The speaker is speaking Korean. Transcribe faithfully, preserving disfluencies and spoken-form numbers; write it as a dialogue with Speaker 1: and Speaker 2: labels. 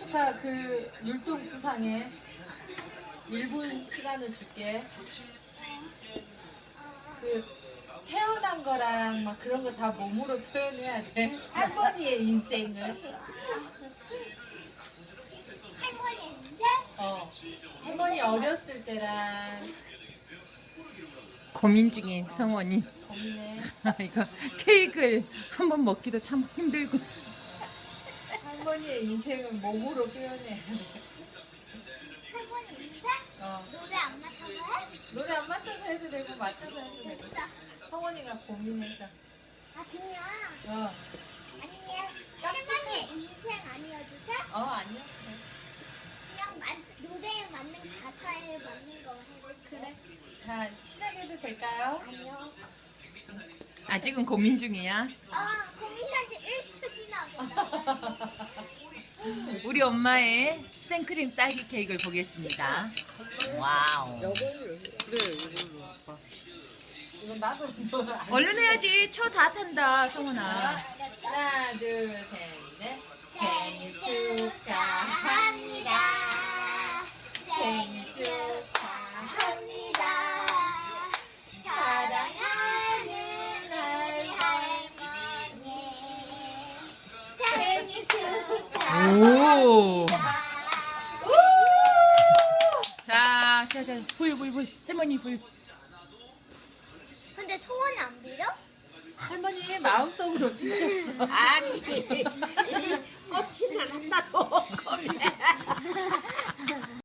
Speaker 1: 축하 그 율동부상에 일 분 시간을 줄게. 그 태어난 거랑 막 그런 거 다 몸으로 표현해야 돼. 할머니의 인생을.
Speaker 2: 할머니 인생?
Speaker 1: 어. 할머니 어렸을 때랑
Speaker 3: 고민 중인 성원이.
Speaker 1: 고민해.
Speaker 3: 이거 케이크를 한번 먹기도 참 힘들고.
Speaker 1: 할머니의 인생을 몸으로 표현해야 돼.
Speaker 2: 할머니 인생?
Speaker 1: 어.
Speaker 2: 노래 안 맞춰서 해?
Speaker 1: 노래 안 맞춰서 해도 되고 맞춰서 해도 되고. 성원이가 고민해서.
Speaker 2: 아 그냥
Speaker 1: 어.
Speaker 2: 아니 할머니 인생 아니어도 돼?
Speaker 1: 어 아니었어.
Speaker 2: 그냥 만, 노래에 맞는 가사에 맞는 거 해도
Speaker 1: 그래. 자 시작해도 될까요?
Speaker 2: 아니요.
Speaker 3: 아직은 고민 중이야.
Speaker 2: 아 고민한 지 일 초 지나고.
Speaker 3: 우리 엄마의 생크림 딸기 케이크를 보겠습니다. 와우.
Speaker 1: 이건 나도 뭐 안-
Speaker 3: 얼른 해야지. 초 다 탄다, 성훈아.
Speaker 1: 하나 둘셋넷 생일 축하합니다. 생일 축하합니다.
Speaker 2: 사랑하는 우리 할머니 생일 축하합니다.
Speaker 3: 오. 자, 자, 자, 불, 불, 불. 할머니 불.
Speaker 2: 근데 소원 안 빌어?
Speaker 1: 할머니 마음속으로 드셨어.
Speaker 4: 아니 껍질은 하나도 없네.